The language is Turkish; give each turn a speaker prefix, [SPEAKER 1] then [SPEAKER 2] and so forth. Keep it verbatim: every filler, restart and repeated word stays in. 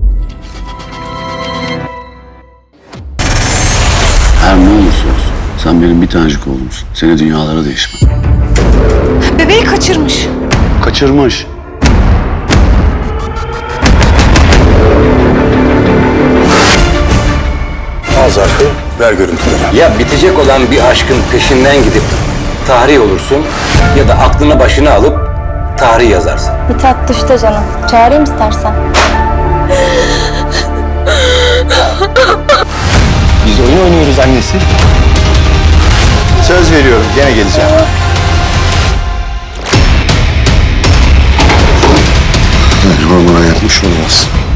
[SPEAKER 1] Her ne olursa olsun sen benim bir tanecik oğlumsun. Seni dünyalara değişmem.
[SPEAKER 2] Bebeği kaçırmış.
[SPEAKER 1] Kaçırmış.
[SPEAKER 3] Al zarfı, ver görüntüleri.
[SPEAKER 4] Ya bitecek olan bir aşkın peşinden gidip tarih olursun ya da aklını başına alıp tarih yazarsın.
[SPEAKER 5] Mithat düştü canım. Çağırayım istersen.
[SPEAKER 3] Biz oyun oynuyoruz annesi. Söz veriyorum, gene geleceğim.
[SPEAKER 1] Mecbur buna yapmış olmaz.